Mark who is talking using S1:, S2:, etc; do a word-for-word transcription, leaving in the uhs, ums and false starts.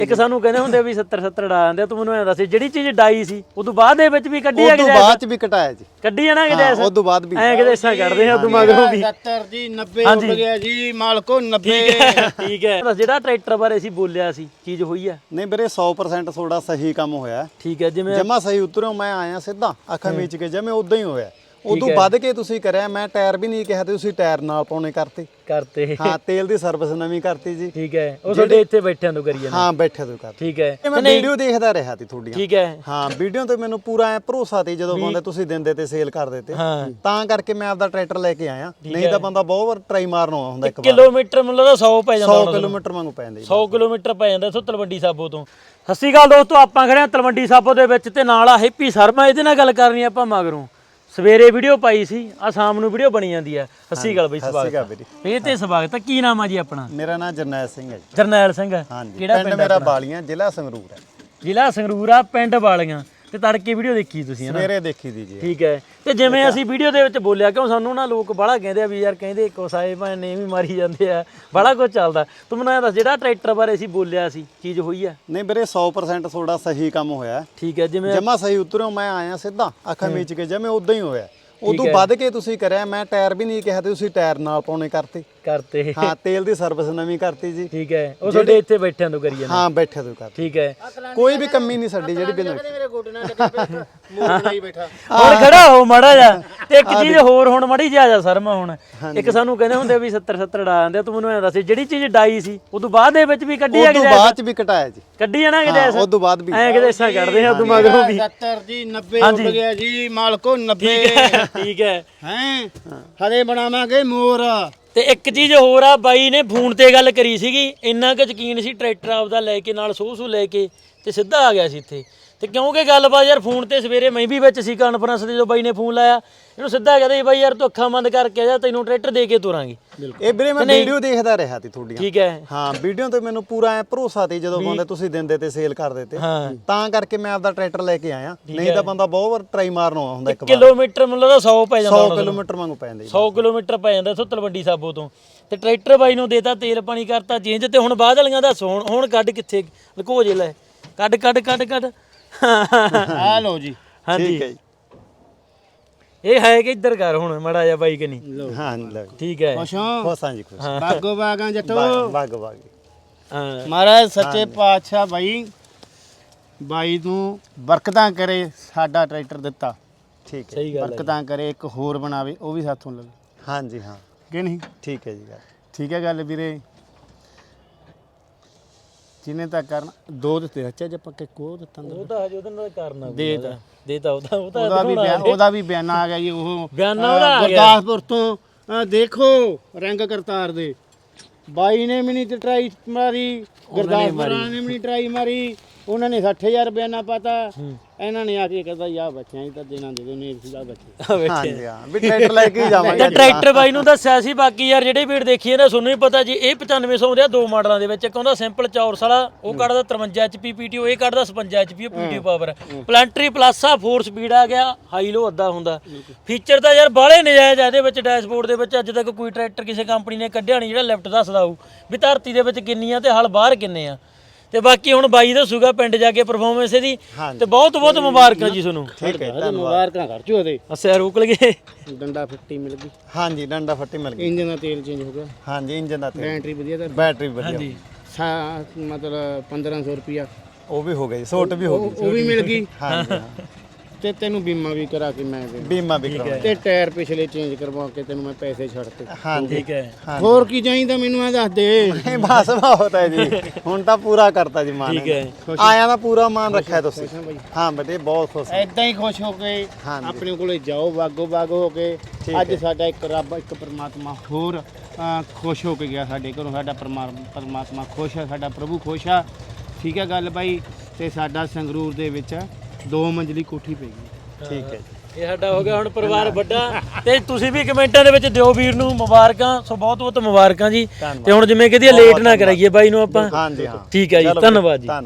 S1: ਇੱਕ ਸਾਨੂੰ ਕਹਿੰਦੇ ਹੁੰਦੇ ਵੀ ਸੱਤਰ ਸੱਤਰ ਡਾ ਜਾਂਦੇ ਤੂੰ ਮੈਨੂੰ ਐਂ ਦੱਸ ਜਿਹੜੀ ਚੀਜ਼ ਡਾਈ ਸੀ ਉਦੋਂ ਬਾਅਦ ਦੇ ਵਿੱਚ ਵੀ ਕੱਢੀ ਆ
S2: ਉਦੋਂ ਬਾਅਦ ਚ ਵੀ ਕਟਾਇਆ ਜੀ
S1: ਕੱਢੀ ਆ ਨਾ ਕਿਤੇ
S2: ਹਾਂ ਉਦੋਂ ਬਾਅਦ ਵੀ
S1: ਐਂ ਕਿਤੇ ਇਸਾਂ ਕੱਢਦੇ ਆ ਉਦੋਂ ਮਗਰੋਂ ਵੀ
S3: ਸੱਤਰ ਜੀ ਨੱਬੇ ਹੋ ਗਿਆ ਜੀ ਮਾਲਕੋ ਨੱਬੇ
S1: ਠੀਕ ਹੈ ਜਿਹੜਾ ਟਰੈਕਟਰ ਬਾਰੇ ਅਸੀਂ ਬੋਲਿਆ ਸੀ ਚੀਜ਼ ਹੋਈ ਆ
S2: ਨਹੀਂ ਵੀਰੇ ਸੌ ਪ੍ਰਸੈਂਟ ਤੁਹਾਡਾ ਸਹੀ ਕੰਮ ਹੋਇਆ
S1: ਠੀਕ ਹੈ ਜਿਵੇਂ
S2: ਜਮਾ ਸਹੀ ਉਤਰਿਓ ਮੈਂ ਆਇਆ ਸਿੱਧਾ ਅੱਖਾਂ ਮੀਚ ਕੇ ਜਿਵੇਂ ਉਦਾਂ ਹੀ ਹੋਇਆ ਉਦੋਂ ਵੱਧ ਕੇ ਤੁਸੀਂ ਕਰਿਆ ਮੈਂ ਟਾਇਰ ਵੀ ਨਹੀਂ ਕਿਹਾ ਤੇ ਤੁਸੀਂ ਟਾਇਰ ਨਾਲ ਪਾਉਣੇ ਕਰਤੇ
S1: ਕਰਤੇ
S2: ਹਾਂ ਤੇਲ ਦੀ ਸਰਵਿਸ ਨਵੀਂ ਕਰਤੀ ਜੀ
S1: ਠੀਕ ਹੈ ਉਹ ਤੁਹਾਡੇ ਇੱਥੇ ਬੈਠਿਆਂ ਤੋਂ ਕਰੀ ਜਾਂਦੇ
S2: ਹਾਂ ਬੈਠੇ ਤੋਂ ਕਰ
S1: ਠੀਕ ਹੈ
S2: ਮੈਂ ਵੀਡੀਓ ਦੇਖਦਾ ਰਿਹਾ ਤੀ ਤੁਹਾਡੀਆਂ
S1: ਠੀਕ ਹੈ
S2: ਹਾਂ ਵੀਡੀਓ ਤੇ ਮੈਨੂੰ ਪੂਰਾ ਐ ਭਰੋਸਾ ਤੇ ਜਦੋਂ ਬੰਦੇ ਤੁਸੀਂ ਦਿੰਦੇ ਤੇ ਸੇਲ ਕਰ ਦਿੱਤੇ
S1: ਹਾਂ
S2: ਤਾਂ ਕਰਕੇ ਮੈਂ ਆਪਦਾ ਟਰੈਕਟਰ ਲੈ ਕੇ ਆਇਆ ਨਹੀਂ ਤਾਂ ਬੰਦਾ ਬਹੁਤ ਵਾਰ ਟਰਾਈ ਮਾਰਨ ਆਉਂਦਾ ਹੁੰਦਾ ਇੱਕ ਵਾਰ
S1: ਕਿਲੋਮੀਟਰ ਮੈਨੂੰ ਲੱਗਦਾ ਸੌ ਪੈ ਜਾਂਦਾ
S2: ਸੌ ਕਿਲੋਮੀਟਰ ਵਾਂਗੂ ਪੈ ਜਾਂਦੇ
S1: ਸੌ ਕਿਲੋਮੀਟਰ ਪੈ ਜਾਂਦਾ ਇੱਥੋਂ ਤਲਵੰਡੀ ਸਾਬੋ ਤੋਂ ਸਤਿ ਸ਼੍ਰੀ ਅਕਾਲ ਦੋਸਤੋ ਆਪਾਂ ਖੜੇ ਆ ਤਲਵੰਡੀ ਸਾਬੋ ਦੇ ਵਿੱਚ ਤੇ ਨਾਲ ਆ ਹੈਪੀ ਸ਼ਰਮਾ ਇਹਦੇ ਨਾਲ ਗੱਲ ਕਰਨੀ ਆਪਾਂ ਮਗਰੋਂ ਸਵੇਰੇ ਵੀਡੀਓ ਪਾਈ ਸੀ ਆ ਸ਼ਾਮ ਨੂੰ ਵੀਡੀਓ ਬਣੀ ਜਾਂਦੀ ਆ ਸਤਿ ਸ਼੍ਰੀ ਅਕਾਲ ਬਈ ਸਵਾਗਤ ਇਹ ਤੇ ਸਵਾਗਤ ਕੀ ਨਾਮ ਆ ਜੀ ਆਪਣਾ
S2: ਮੇਰਾ ਨਾਮ ਜਰਨੈਲ ਸਿੰਘ ਹੈ ਜੀ
S1: ਜਰਨੈਲ ਸਿੰਘ
S2: ਹਾਂਜੀ
S1: ਕਿਹੜਾ
S2: ਪਿੰਡ ਮੇਰਾ ਬਾਲੀਆਂ ਜ਼ਿਲ੍ਹਾ ਸੰਗਰੂਰ ਹੈ
S1: ਜ਼ਿਲ੍ਹਾ ਸੰਗਰੂਰ ਆ ਪਿੰਡ ਵਾਲੀਆਂ ਤੇ ਤੜਕੇ ਵੀਡੀਓ ਦੇਖੀ ਤੁਸੀਂ ਹਨਾ
S2: ਸਵੇਰੇ ਦੇਖੀ ਦੀ ਜੀ
S1: ਠੀਕ ਹੈ ਤੇ ਜਿਵੇਂ ਅਸੀਂ ਵੀਡੀਓ ਦੇ ਵਿੱਚ ਬੋਲਿਆ ਕਿਉਂ ਸਾਨੂੰ ਨਾ ਲੋਕ ਬਾਹਲਾ ਕਹਿੰਦੇ ਆ ਵੀ ਯਾਰ ਕਹਿੰਦੇ ਕੋਸਾਏ ਭਾਂ ਨੇ ਵੀ ਮਾਰੀ ਜਾਂਦੇ ਆ ਬਾਹਲਾ ਕੁਝ ਚੱਲਦਾ ਤੂੰ ਮੈਨੂੰ ਐਂ ਦੱਸ ਜਿਹੜਾ ਟਰੈਕਟਰ ਬਾਰੇ ਅਸੀਂ ਬੋਲਿਆ ਸੀ ਚੀਜ਼ ਹੋਈ ਆ
S2: ਨਹੀਂ ਵੀਰੇ ਸੌ ਪ੍ਰਸੈਂਟ ਤੁਹਾਡਾ ਸਹੀ ਕੰਮ ਹੋਇਆ
S1: ਠੀਕ ਹੈ ਜਿਵੇਂ
S2: ਜਮਾ ਸਹੀ ਉਤਰਿਓ ਮੈਂ ਆਇਆ ਸਿੱਧਾ ਅੱਖਾਂ ਮੀਚ ਕੇ ਜਿਵੇਂ ਉਦਾਂ ਹੀ ਹੋਇਆ ਉਦੋਂ ਵੱਧ ਕੇ ਤੁਸੀਂ ਕਰਿਆ ਮੈਂ ਟਾਇਰ ਵੀ ਨਹੀਂ ਕਿਹਾ ਤੇ ਤੁਸੀਂ ਟਾਇਰ ਨਾਲ ਪਾਉਣੇ ਕਰਤੇ
S1: ਕਰਤੇ
S2: ਹਾਂ ਤੇਲ ਦੀ ਸਰਵਿਸ ਨਵੀਂ ਕਰਤੀ ਜੀ
S1: ਠੀਕ ਹੈ ਉਹ ਤੁਹਾਡੇ ਇੱਥੇ ਬੈਠਿਆਂ ਤੋਂ ਕਰੀ ਜਾਂਦੇ
S2: ਹਾਂ ਬੈਠੇ ਤੋਂ ਕਰ
S1: ਠੀਕ ਹੈ
S2: ਕੋਈ ਵੀ ਕਮੀ ਨਹੀਂ ਸਾਡੀ ਜਿਹੜੀ ਬਿਨਾਂ
S3: ਮੇਰੇ ਗੋਡੇ ਨਾਲ ਲੱਗੇ ਬੈਠਾ ਮੂੰਹ ਨਹੀਂ ਬੈਠਾ
S1: ਹੋਰ ਖੜਾ ਹੋ ਮਾੜਾ ਜਾ ਤੇ ਇੱਕ ਚੀਜ਼ ਹੋਰ ਹੁਣ ਮੜੀ ਜਾ ਜਾ ਸ਼ਰਮਾ ਹੁਣ ਇੱਕ ਸਾਨੂੰ ਕਹਿੰਦੇ ਹੁੰਦੇ ਵੀ ਸੱਤਰ ਸੱਤਰ ਡਾ ਜਾਂਦੇ ਤੂੰ ਮੈਨੂੰ ਐਂ ਦੱਸ ਜਿਹੜੀ ਚੀਜ਼ ਡਾਈ ਸੀ ਉਦੋਂ ਬਾਅਦ ਦੇ ਵਿੱਚ ਵੀ ਕੱਢੀ ਆ
S2: ਉਦੋਂ ਬਾਅਦ ਚ ਵੀ ਕਟਾਇਆ ਜੀ
S1: ਕੱਢੀ ਆ ਨਾ ਕਿਤੇ
S2: ਹਾਂ ਉਦੋਂ ਬਾਅਦ ਵੀ
S1: ਐਂ ਕਿਤੇ ਇਸਾਂ ਕੱਢਦੇ ਆ ਉਦੋਂ ਮਗਰੋਂ ਵੀ
S3: ਸੱਤਰ ਜੀ ਨੱਬੇ ਹੋ ਗਿਆ ਜੀ ਮਾਲਕੋ ਨੱਬੇ
S1: ਠੀਕ ਹੈ
S3: ਹੈ ਹਲੇ ਬਣਾਵਾਂਗੇ ਮੋਰ
S1: ਤੇ ਇੱਕ ਚੀਜ਼ ਹੋਰ ਆ ਬਾਈ ਨੇ ਫੋਨ ਤੇ ਗੱਲ ਕਰੀ ਸੀਗੀ ਇੰਨਾ ਕੁ ਯਕੀਨ ਸੀ ਟਰੈਕਟਰ ਆਪਦਾ ਲੈ ਕੇ ਨਾਲ ਸੋਹ ਸੂ ਲੈ ਕੇ ਤੇ ਸਿੱਧਾ ਆ ਗਿਆ ਸੀ ਇੱਥੇ ਤੇ ਕਿਉਂਕਿ ਗੱਲਬਾਤ ਯਾਰ ਫੋਨ ਤੇ ਸਵੇਰੇ ਮੈਂ ਵੀ ਵਿੱਚ ਸੀ ਕਾਨਫਰੰਸ ਤੇ ਜਦੋਂ ਬਾਈ ਨੇ ਫੋਨ ਲਾਇਆ ਇਹਨੂੰ ਸਿੱਧਾ ਕਹਿੰਦੇ ਬਾਈ ਯਾਰ ਤੂੰ ਅੱਖਾਂ ਬੰਦ ਕਰਕੇ ਆ ਜਾ ਤੈਨੂੰ ਟਰੈਕਟਰ ਦੇ ਕੇ ਤੁਰਾਂਗੇ
S2: ਇਹ ਵੀਰੇ ਮੈਂ ਵੀਡੀਓ ਦੇਖਦਾ ਰਿਹਾ ਤੀ ਤੁਹਾਡੀਆਂ
S1: ਠੀਕ ਹੈ
S2: ਹਾਂ ਵੀਡੀਓ ਤੇ ਮੈਨੂੰ ਪੂਰਾ ਐ ਭਰੋਸਾ ਤੇ ਜਦੋਂ ਬੰਦੇ ਤੁਸੀਂ ਦਿੰਦੇ ਤੇ ਸੇਲ ਕਰ ਦਿੱਤੇ
S1: ਹਾਂ
S2: ਤਾਂ ਕਰਕੇ ਮੈਂ ਆਪਦਾ ਟਰੈਕਟਰ ਲੈ ਕੇ ਆਇਆ ਨਹੀਂ ਤਾਂ ਬੰਦਾ ਬਹੁਤ ਵਾਰ ਟਰਾਈ ਮਾਰਨ ਆਉਂਦਾ ਹੁੰਦਾ ਇੱਕ ਵਾਰ
S1: ਕਿਲੋਮੀਟਰ ਮੈਨੂੰ ਲੱਗਦਾ ਸੌ ਪੈ ਜਾਂਦਾ
S2: ਸੌ ਕਿਲੋਮੀਟਰ ਵਾਂਗੂ ਪੈ ਜਾਂਦੇ
S1: ਸੌ ਕਿਲੋਮੀਟਰ ਪੈ ਜਾਂਦਾ ਇੱਥੋਂ ਤਲਵੰਡੀ ਸਾਬੋ ਤੋਂ ਤੇ ਟਰੈਕਟਰ ਬਾਈ ਨੂੰ ਦੇਤਾ ਤੇਲ ਪਾਣੀ ਕਰਤਾ ਚੇਂਜ ਤੇ ਹੁਣ ਬਾਅਦ ਵਾਲੀਆਂ ਦਾ ਸੋਣ ਹੁਣ ਕੱਢ ਕਿੱਥੇ ਲਕੋ ਜੇ ਲੈ ਕੱਢ ਕੱਢ ਕੱਢ ਕੱਢ
S3: ਆ ਲਓ ਜੀ
S1: ਹਾਂਜੀ
S2: ਠੀਕ ਹੈ ਜੀ
S1: ਇਹ ਹੈ ਕਿ ਇੱਧਰ ਕਰ ਹੁਣ ਮੜਾ ਜਾ ਬਾਈ ਕਿ ਨਹੀਂ
S2: ਹਾਂ ਲਓ
S1: ਠੀਕ ਹੈ
S3: ਖੁਸ਼ ਹੋ
S2: ਖੁਸ਼ਾਂ ਜੀ ਖੁਸ਼
S3: ਬਾਗੋ ਬਾਗਾਂ ਜੱਟੋ
S2: ਬਾਗ ਬਾਗ
S1: ਹਾਂ
S3: ਮਹਾਰਾਜ ਸੱਚੇ ਪਾਤਸ਼ਾਹ ਬਾਈ ਬਾਈ ਨੂੰ ਬਰਕਤਾਂ ਕਰੇ ਸਾਡਾ ਟਰੈਕਟਰ ਦਿੱਤਾ
S2: ਠੀਕ ਹੈ
S1: ਸਹੀ ਗੱਲ ਹੈ
S3: ਬਰਕਤਾਂ ਕਰੇ ਇੱਕ ਹੋਰ ਬਣਾਵੇ ਉਹ ਵੀ ਸਾਥੋਂ ਲੈ ਲਓ
S2: ਹਾਂਜੀ ਹਾਂ
S3: ਕਿ ਨਹੀਂ
S2: ਠੀਕ ਹੈ ਜੀ ਗੱਲ
S3: ਠੀਕ ਹੈ ਗੱਲ ਵੀਰੇ ਜਿਹਨੇ ਤਾਂ ਕਰਨਾ ਦੋ ਦਿੱਤੇ ਅੱਛਾ ਜੇ ਪੱਕੇ ਕੋ ਦਿੱਤਾ
S1: ਉਹ ਤਾਂ ਹਜੇ ਉਹਦੇ ਨਾਲ ਕਰਨਾ
S3: ਦੇਤਾ
S1: ਦੇਤਾ ਉਹਦਾ ਉਹ ਤਾਂ
S3: ਉਹਦਾ ਵੀ ਬਿਆਨ ਉਹਦਾ ਵੀ ਬਿਆਨਾ ਆ ਗਿਆ ਜੀ ਉਹ
S1: ਬਿਆਨਾ ਉਹਦਾ ਆ ਗਿਆ
S3: ਗੁਰਦਾਸਪੁਰ ਤੋਂ ਅਹ ਦੇਖੋ ਰੰਗ ਕਰਤਾਰ ਦੇ ਬਾਈ ਨੇ ਵੀ ਨਹੀਂ ਤੇ ਟਰਾਈ ਮਾਰੀ ਗੁਰਦਾਸਪੁਰ ਨੇ ਵੀ ਨਹੀਂ ਟਰਾਈ ਮਾਰੀ ਉਹਨਾਂ ਨੇ ਸੱਠ ਹਜ਼ਾਰ ਬਿਆਨਾ ਪਾਤਾ ਇਹਨਾਂ ਨੇ ਆ ਕੇ ਕਹਿੰਦਾ ਯਾ ਬੱਚਿਆਂ ਹੀ ਤਾਂ ਦੇਣਾ ਦੇ ਦੋ ਨੇ ਸਿੱਧਾ ਬੱਚੇ
S2: ਹਾਂਜੀ ਹਾਂ ਵੀ ਟਰੈਕਟਰ ਲੈ ਕੇ ਹੀ ਜਾਵਾਂਗੇ
S1: ਤੇ ਟਰੈਕਟਰ ਬਾਈ ਨੂੰ ਦੱਸਿਆ ਸੀ ਬਾਕੀ ਯਾਰ ਜਿਹੜੇ ਵੀਰ ਦੇਖੀਏ ਨਾ ਤੁਹਾਨੂੰ ਹੀ ਪਤਾ ਜੀ ਇਹ ਪਚਾਨਵੇਂ ਸੌ ਦੇ ਆ ਦੋ ਮਾਡਲਾਂ ਦੇ ਵਿੱਚ ਇੱਕ ਹੁੰਦਾ ਸਿੰਪਲ ਚੌਰਸ ਵਾਲਾ ਉਹ ਕੱਢਦਾ ਤਰਵੰਜਾ ਐਚ ਪੀ ਪੀਟੀਓ ਇਹ ਕੱਢਦਾ ਛਪੰਜਾ H P PTO power planetary plus ਆ ਫੋਰ ਸਪੀਡ ਆ ਗਿਆ ਹਾਈ ਲੋ ਅੱਧਾ ਹੁੰਦਾ ਫੀਚਰ ਤਾਂ ਯਾਰ ਬਾਹਲੇ ਨਜਾਇਜ਼ ਆ ਇਹਦੇ ਵਿੱਚ ਡੈਸ਼ਬੋਰਡ ਦੇ ਵਿੱਚ ਅੱਜ ਤੱਕ ਕੋਈ ਟਰੈਕਟਰ ਕਿਸੇ ਕੰਪਨੀ ਨੇ ਕੱਢਿਆ ਨਹੀਂ ਜਿਹੜਾ ਲੈਫਟ ਦੱਸਦਾ ਹੋਊ ਵੀ ਧਰਤੀ ਦੇ ਵਿੱਚ ਕਿੰਨੀ ਆ ਤੇ ਹਲ ਬਾਹਰ ਕਿੰਨੇ ਆ ਤੇ ਬਾਕੀ ਹੁਣ ਬਾਈ ਦੱਸੂਗਾ ਪਿੰਡ ਜਾ ਕੇ ਪਰਫਾਰਮੈਂਸ ਇਹਦੀ ਤੇ ਬਹੁਤ ਬਹੁਤ ਮੁਬਾਰਕਾਂ ਜੀ ਤੁਹਾਨੂੰ
S2: ਠੀਕ ਹੈ
S3: ਮੁਬਾਰਕਾਂ ਕਰ ਚੋ ਉਹਦੇ
S1: ਅਸਿਆ ਰੋਕ ਲਗੇ
S3: ਡੰਡਾ ਫੱਟੀ ਮਿਲ ਗਈ
S2: ਹਾਂਜੀ ਡੰਡਾ ਫੱਟੀ ਮਿਲ ਗਈ
S3: ਇੰਜਨ ਦਾ ਤੇਲ ਚੇਂਜ ਹੋ ਗਿਆ
S2: ਹਾਂਜੀ ਇੰਜਨ ਦਾ ਤੇਲ
S3: ਬੈਟਰੀ ਵਧੀਆ ਤਾਂ
S2: ਬੈਟਰੀ ਵਧੀਆ
S1: ਹਾਂਜੀ
S3: ਸਾ ਮਤਲਬ ਪੰਦਰਾਂ ਸੌ ਰੁਪਿਆ
S2: ਉਹ ਵੀ ਹੋ ਗਈ ਸੋਟ ਵੀ ਹੋ ਗਈ
S3: ਉਹ ਵੀ ਮਿਲ ਗਈ
S2: ਹਾਂਜੀ
S3: ਤੇ ਤੈਨੂੰ ਬੀਮਾ ਵੀ ਕਰਾ ਕੇ ਮੈਂ ਦੇ
S2: ਬੀਮਾ ਵੀ ਕਰਾਉਣਾ
S3: ਤੇ ਟਾਇਰ ਪਿਛਲੇ ਚੇਂਜ ਕਰਵਾ ਕੇ ਤੈਨੂੰ ਮੈਂ ਪੈਸੇ ਛੱਡਤੇ
S2: ਹਾਂਜੀ
S1: ਠੀਕ ਹੈ
S3: ਹੋਰ ਕੀ ਚਾਹੀਦਾ ਮੈਨੂੰ ਆ ਦੱਸ ਦੇ
S2: ਨਹੀਂ ਬਸ ਬਹੁਤ ਹੈ ਜੀ ਹੁਣ ਤਾਂ ਪੂਰਾ ਕਰਤਾ ਜੀ ਮਾਨ
S1: ਠੀਕ ਹੈ
S2: ਆਇਆ ਦਾ ਪੂਰਾ ਮਾਨ ਰੱਖਿਆ ਤੁਸੀਂ ਹਾਂ ਬੇਟੇ ਬਹੁਤ ਖੁਸ਼
S3: ਐਦਾਂ ਹੀ ਖੁਸ਼ ਹੋ ਕੇ ਆਪਣੇ ਕੋਲੇ ਜਾਓ ਬਾਗੋ ਬਾਗ ਹੋ ਕੇ ਅੱਜ ਸਾਡਾ ਇੱਕ ਰੱਬ ਇੱਕ ਪ੍ਰਮਾਤਮਾ ਹੋਰ ਅਹ, ਖੁਸ਼ ਹੋ ਕੇ ਗਿਆ ਸਾਡੇ ਘਰੋਂ ਸਾਡਾ ਪਰਮਾ- ਪਰਮਾਤਮਾ ਖੁਸ਼ ਆ ਸਾਡਾ ਪ੍ਰਭੂ ਖੁਸ਼ ਆ ਠੀਕ ਹੈ ਗੱਲ ਬਾਈ ਤੇ ਸਾਡਾ ਸੰਗਰੂਰ ਦੇ ਵਿੱਚ ਦੋ ਮੰਜ਼ਲੀ ਕੋਠੀ ਪੈ ਗਈ
S2: ਠੀਕ ਹੈ
S1: ਇਹ ਸਾਡਾ ਹੋ ਗਿਆ ਹੁਣ ਪਰਿਵਾਰ ਵੱਡਾ ਤੇ ਤੁਸੀਂ ਵੀ ਕਮੈਂਟਾਂ ਦੇ ਵਿੱਚ ਦਿਓ ਵੀਰ ਨੂੰ ਮੁਬਾਰਕਾਂ ਸੋ ਬਹੁਤ ਬਹੁਤ ਮੁਬਾਰਕਾਂ ਜੀ ਤੇ ਹੁਣ ਜਿਵੇਂ ਕਹਦੀ ਲੇਟ ਨਾ ਕਰਾਈਏ ਬਾਈ ਨੂੰ ਆਪਾਂ
S2: ਹਾਂਜੀ ਹਾਂ
S1: ਠੀਕ ਹੈ ਜੀ ਧੰਨਵਾਦ ਜੀ।